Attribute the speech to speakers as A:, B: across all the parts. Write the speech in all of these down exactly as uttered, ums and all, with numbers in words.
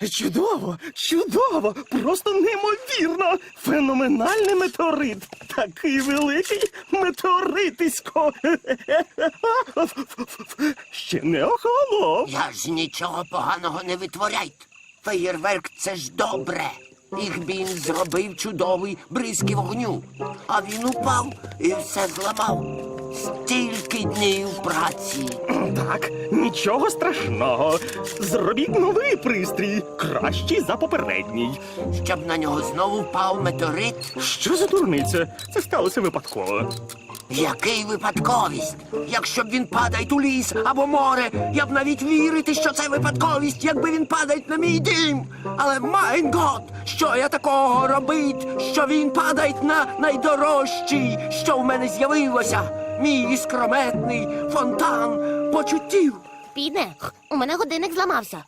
A: Чудово, чудово, просто неймовірно. Феноменальний метеорит. Такий великий метеоритисько. Ще не охолонув.
B: Я ж нічого поганого не витворяйте. Феєрверк – це ж добре. Ігбін зробив чудовий бризки вогню. А він упав і все зламав. Стільки днів праці.
A: Так, нічого страшного. Зробіть новий пристрій, кращий за попередній.
B: Щоб на нього знову впав метеорит.
A: Що за дурниця? Це сталося випадково.
B: Який випадковість? Якщо б він падає у ліс або море, я б навіть вірити, що це випадковість, якби він падає на мій дім. Але, майн гот, що я такого робить, що він падає на найдорожчий, що в мене з'явилося? Мій іскрометний фонтан почуттів.
C: Піде, у мене годинник зламався.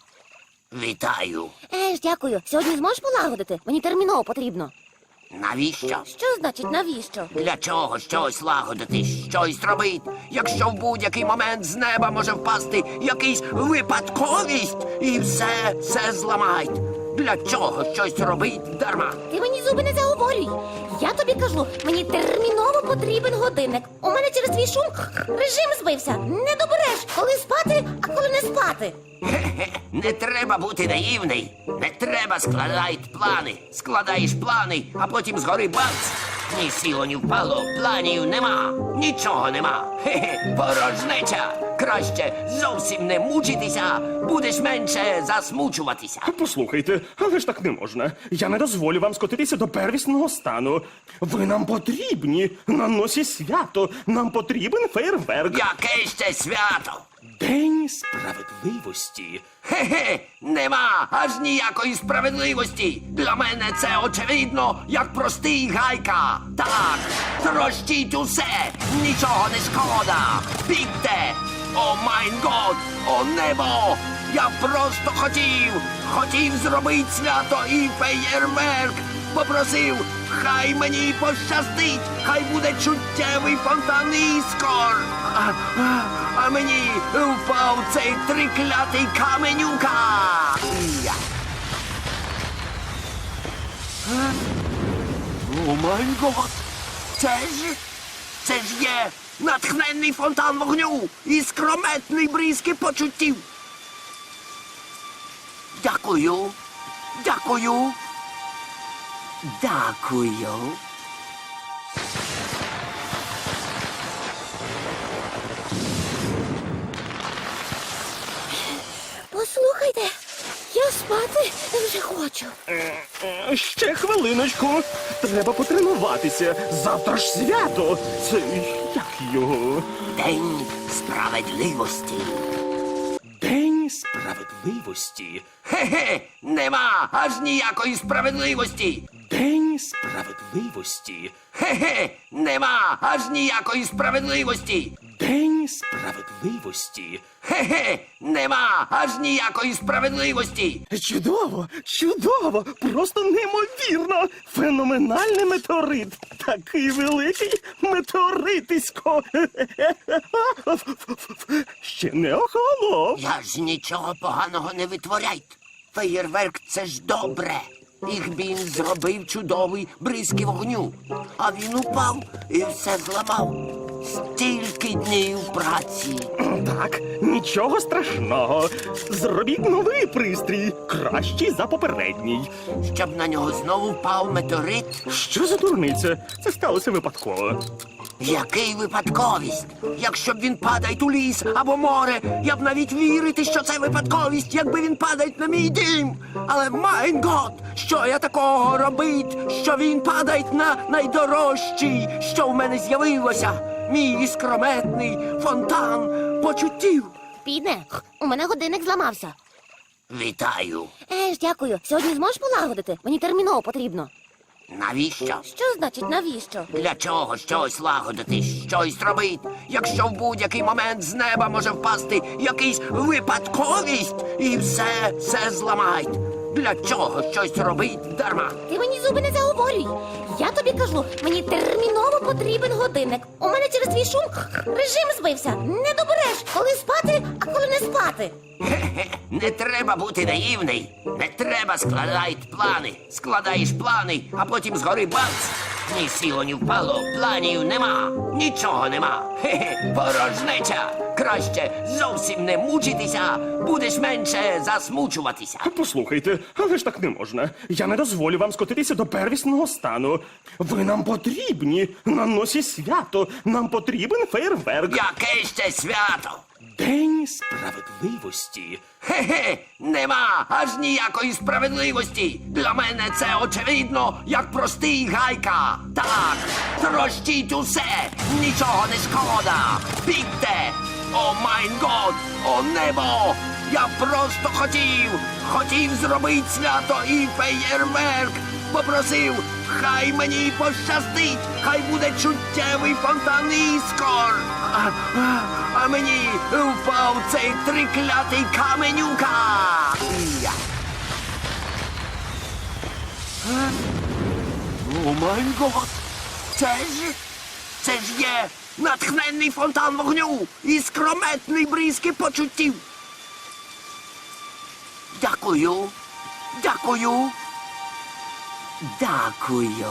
B: Вітаю.
C: Еж, дякую. Сьогодні зможеш полагодити? Мені терміново потрібно.
B: Навіщо?
C: Що значить навіщо?
B: Для чого щось лагодити, щось робити, якщо в будь-який момент з неба може впасти якийсь випадковість і все, все зламають? Для чого щось робить дарма?
C: Ти мені зуби не заговорюй. Я тобі кажу, мені терміново потрібен годинник. У мене через твій шум режим збився. Не добереш, коли спати, а коли не спати.
B: Хе-хе, не треба бути наївний. Не треба складати плани. Складаєш плани, а потім згори бац. Ні сіло, ні впало, планів нема, нічого нема. Хе-хе, порожнеча. Краще зовсім не мучитися, будеш менше засмучуватися.
A: Послухайте, але ж так не можна. Я не дозволю вам скотитися до первісного стану. Ви нам потрібні. На носі свято. Нам потрібен фейерверк.
B: Яке ще свято?
A: День справедливості.
B: Хе-хе, нема аж ніякої справедливості. Для мене це очевидно, як простий гайка. Так, трощіть усе, нічого не шкода. Бігте! О майн год, о небо! Я просто хотів, хотів зробити свято і феєрверк. Попросив, хай мені пощастить, хай буде чуттєвий фонтан іскор. А, а, а мені впав цей триклятий каменюка. Я. Е? О май гот! Це ж, це ж є натхненний фонтан вогню і скрометний бризки почуттів. Дякую, дякую, дякую.
C: Послухайте, я спати вже хочу.
A: Е, Ще хвилиночку. Треба потренуватися. Завтра ж свято. Це як його?
B: День справедливості.
A: День справедливості.
B: Хе-хе, нема аж ніякої справедливості.
A: День справедливості.
B: Хе-хе, нема аж ніякої справедливості.
A: День справедливості.
B: Хе-хе, нема аж ніякої справедливості.
A: Чудово, чудово, просто неймовірно. Феноменальний метеорит. Такий великий метеоритисько. Ще не охолонув.
B: Я ж нічого поганого не витворяйте. Феєрверк – це ж добре. Ігбін зробив чудовий бризки вогню. А він упав і все зламав. Стільки днів праці.
A: Так, нічого страшного. Зробіть новий пристрій, кращий за попередній.
B: Щоб на нього знову впав метеорит.
A: Що за дурниця? Це сталося випадково.
B: Який випадковість? Якщо б він падає у ліс або море, я б навіть вірити, що це випадковість, якби він падає на мій дім. Але, майн гот, що я такого робить, що він падає на найдорожчий, що в мене з'явилося? Мій іскрометний фонтан почуттів.
C: Піде, у мене годинник зламався.
B: Вітаю.
C: Еж, дякую. Сьогодні зможеш полагодити? Мені терміново потрібно.
B: Навіщо?
C: Що значить навіщо?
B: Для чого щось лагодити, щось робити, якщо в будь-який момент з неба може впасти якийсь випадковість і все, все зламають? Для чого щось робить дарма?
C: Ти мені зуби не заговорюй. Я тобі кажу, мені терміново потрібен годинник. У мене через твій шум режим збився. Не добереш, коли спати, а коли не спати.
B: Хе-хе, не треба бути наївний. Не треба складати плани. Складаєш плани, а потім згори бац. Ні сіло, ні впало, планів нема, нічого нема. Хе-хе, порожнеча. Краще зовсім не мучитися, будеш менше засмучуватися.
A: Послухайте, але ж так не можна. Я не дозволю вам скотитися до первісного стану. Ви нам потрібні на носі свято. Нам потрібен фейерверк.
B: Яке ще свято?
A: День справедливості.
B: Хе-хе, нема аж ніякої справедливості. Для мене це очевидно, як простий гайка. Так, трощіть усе, нічого не шкода. Бігте! О майн год, о небо! Я просто хотів, хотів зробити свято і феєрверк. Попросив, хай мені пощастить, хай буде чуттєвий фонтан іскор. А, а, а мені впав цей триклятий каменюка. Я. Е? О май гот! Це ж, це ж є натхненний фонтан вогню і скрометний бризки почуттів. Дякую, дякую, дякую.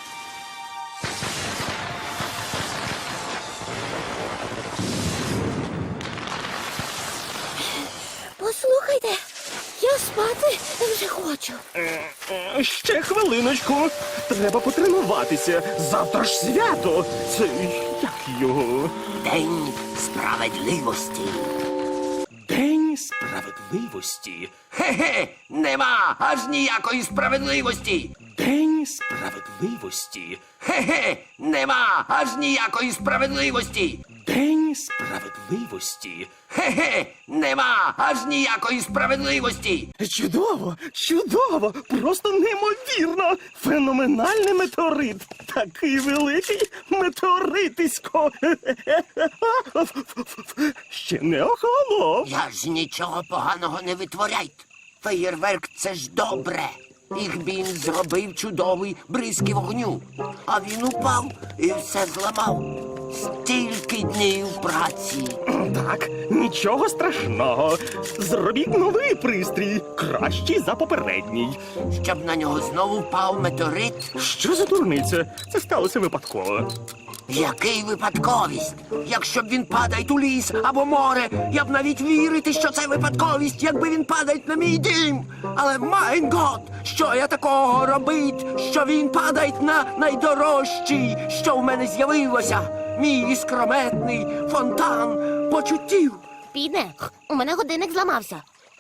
C: Послухайте, я спати вже хочу.
A: Е, Ще хвилиночку. Треба потренуватися. Завтра ж свято. Це як його?
B: День справедливості.
A: День справедливості.
B: Хе-хе, нема аж ніякої справедливості.
A: День справедливості.
B: Хе-хе, нема аж ніякої справедливості.
A: День справедливості.
B: Хе-хе, нема аж ніякої справедливості.
A: Чудово, чудово, просто неймовірно. Феноменальний метеорит. Такий великий метеоритисько. Ще не охолонув.
B: Я ж нічого поганого не витворяйте. Феєрверк — це ж добре. Їх він зробив чудовий бризки вогню. А він упав і все зламав. Стільки днів праці.
A: Так, нічого страшного. Зробіть новий пристрій, кращий за попередній.
B: Щоб на нього знову впав метеорит.
A: Що за дурниця? Це сталося випадково.
B: Який випадковість? Якщо б він падає у ліс або море, я б навіть вірити, що це випадковість, якби він падає на мій дім. Але майн гот, що я такого робить, що він падає на найдорожчий, що в мене з'явилося? Мій іскрометний фонтан почуттів.
C: Підне, у мене годинник зламався.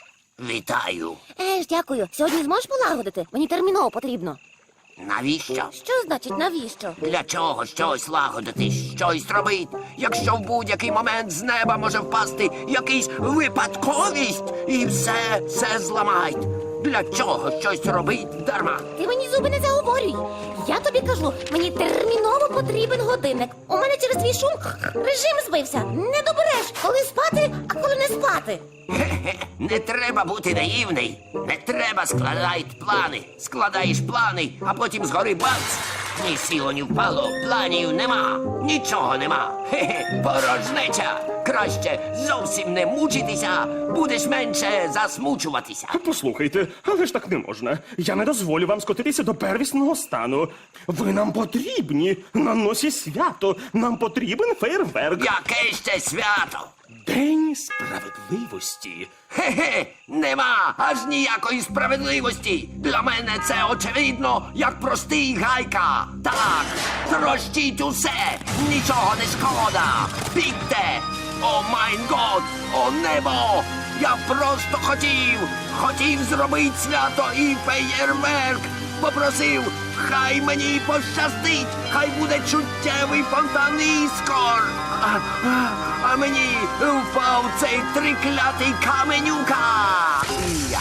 B: Вітаю.
C: Е ж, дякую. Сьогодні зможеш полагодити? Мені терміново потрібно.
B: Навіщо?
C: Що значить навіщо?
B: Для чого щось лагодити, щось робить, якщо в будь-який момент з неба може впасти якийсь випадковість і все, все зламають? Для чого щось робить дарма?
C: Ти мені зуби не заговорюй. Я тобі кажу, мені терміново потрібен годинник. У мене через твій шум режим збився. Не добереш, коли спати, а коли не спати.
B: Хе-хе, не треба бути наївний. Не треба складати плани. Складаєш плани, а потім згори бац. Ні сіло, ні впало, планів нема, нічого нема. Хе-хе, порожнеча. Краще зовсім не мучитися, будеш менше засмучуватися.
A: Послухайте, але ж так не можна. Я не дозволю вам скотитися до первісного стану. Ви нам потрібні на носі свято. Нам потрібен фейерверк.
B: Яке ще свято?
A: День справедливості.
B: Хе-хе, нема аж ніякої справедливості. Для мене це очевидно, як простий гайка. Так, трощіть усе, нічого не шкода. Бігте! О майн год, о небо! Я просто хотів, хотів зробити свято і феєрверк. Попросив, хай мені пощастить, хай буде чуттєвий фонтан іскор. А, а, а мені впав цей триклятий каменюка. Я.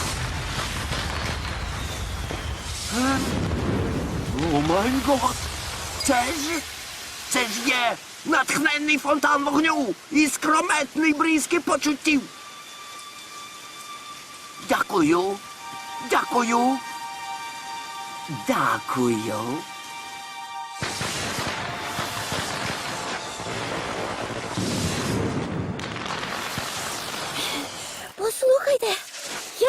B: Е? О май гот! Це ж, це ж є натхненний фонтан вогню і скрометний бризки почуттів. Дякую, дякую, дякую.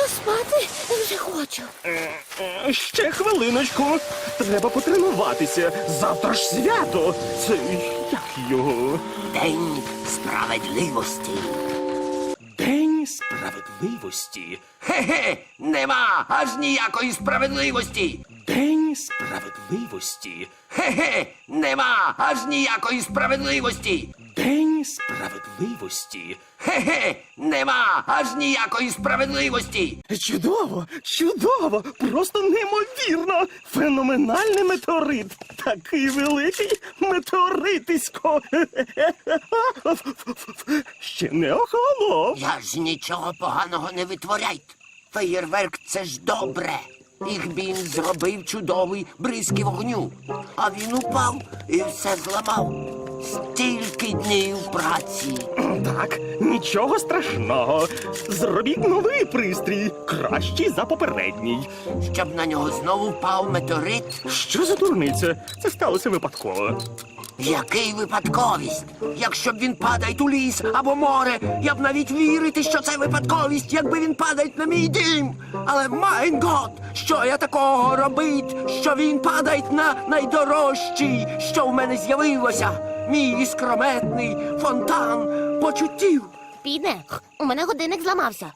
C: Я спати вже хочу.
A: Е, Ще хвилиночку. Треба потренуватися. Завтра ж свято. Це як його?
B: День справедливості.
A: День справедливості.
B: Хе-хе, нема аж ніякої справедливості.
A: День справедливості.
B: Хе-хе, нема аж ніякої справедливості.
A: День справедливості.
B: Хе-хе, нема аж ніякої справедливості.
A: Чудово, чудово, просто неймовірно. Феноменальний метеорит. Такий великий метеоритисько. Ще не охолонув.
B: Я ж нічого поганого не витворяйте. Феєрверк — це ж добре. Їх він зробив чудовий бризки вогню. А він упав і все зламав. Стільки днів праці.
A: Так, нічого страшного. Зробіть новий пристрій, кращий за попередній.
B: Щоб на нього знову впав метеорит.
A: Що за дурниця? Це сталося випадково.
B: Який випадковість? Якщо б він падає у ліс або море, я б навіть вірити, що це випадковість, якби він падає на мій дім. Але майн гот, що я такого робить, що він падає на найдорожчий, що в мене з'явилося? Мій іскрометний фонтан почуттів.
C: Підне, у мене годинник зламався.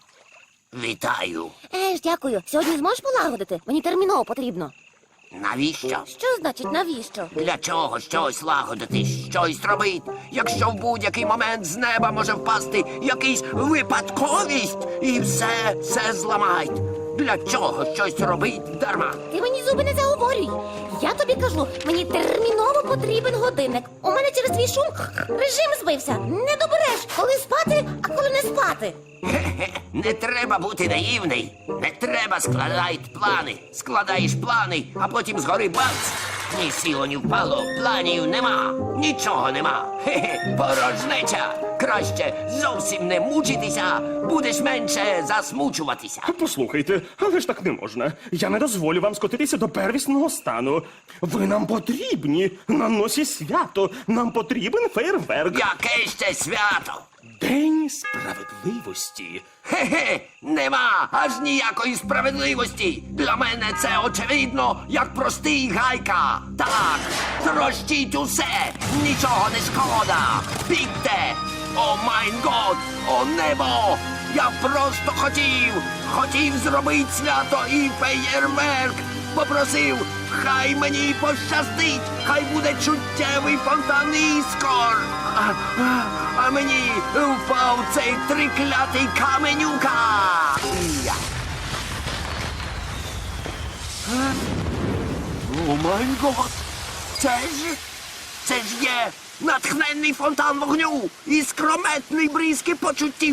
B: Вітаю.
C: Е ж, дякую. Сьогодні зможеш полагодити? Мені терміново потрібно.
B: Навіщо?
C: Що значить навіщо?
B: Для чого щось лагодити, щось робити, якщо в будь-який момент з неба може впасти якийсь випадковість і все, все зламають? Для чого щось робити дарма?
C: Ти мені зуби не заговорюй. Я тобі кажу, мені терміново потрібен годинник. У мене через твій шум режим збився. Не добереш, коли спати, а коли не спати.
B: Хе-хе, не треба бути наївний. Не треба складати плани. Складаєш плани, а потім згори бац. Ні сіло, ні впало, планів нема, нічого нема. Хе-хе, порожнеча. Краще зовсім не мучитися, будеш менше засмучуватися.
A: Послухайте, але ж так не можна. Я не дозволю вам скотитися до первісного стану. Ви нам потрібні. На носі свято. Нам потрібен фейерверк.
B: Яке ще свято?
A: День справедливості.
B: Хе-хе, нема аж ніякої справедливості. Для мене це очевидно, як простий гайка. Так, трощіть усе, нічого не шкода. Бігте! О майн год, о небо! Я просто хотів, хотів зробити свято і феєрверк. Попросив, хай мені пощастить, хай буде чуттєвий фонтан іскор. А, а, а мені впав цей триклятий каменюка. Я. Е? О май гот! Це ж, це ж є натхненний фонтан вогню і скрометний бризки почуттів.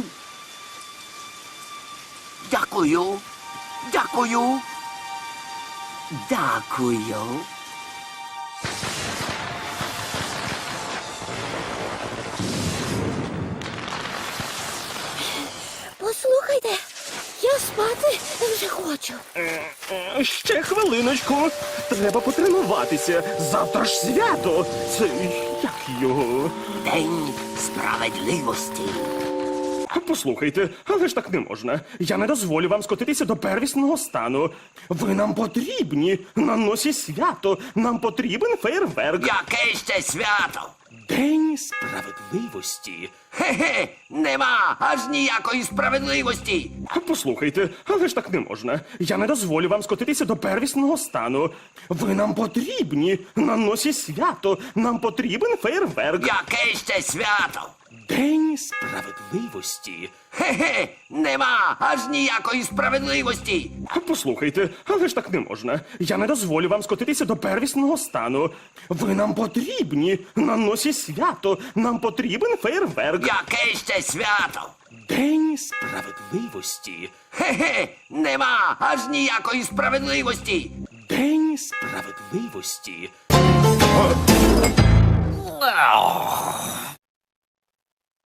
B: Дякую, дякую, дякую.
C: Послухайте, я спати вже хочу.
A: Е, Ще хвилиночку. Треба потренуватися. Завтра ж свято. Це як його?
B: День справедливості.
A: Послухайте, але ж так не можна. Я не дозволю вам скотитися до первісного стану. Ви нам потрібні. На носі свято. Нам потрібен фейерверк.
B: Яке ще свято?
A: День справедливості.
B: Хе-хе, нема аж ніякої справедливості.
A: Послухайте, але ж так не можна. Я не дозволю вам скотитися до первісного стану. Ви нам потрібні. На носі свято. Нам потрібен фейерверк.
B: Яке ще свято?
A: День справедливості.
B: Хе-хе, нема аж ніякої справедливості.
A: Послухайте, але ж так не можна. Я не дозволю вам скотитися до первісного стану. Ви нам потрібні. На носі свято. Нам потрібен фейерверк.
B: Яке ще свято?
A: День справедливості.
B: Хе-хе, нема аж ніякої справедливості.
A: День справедливості.
B: Ах.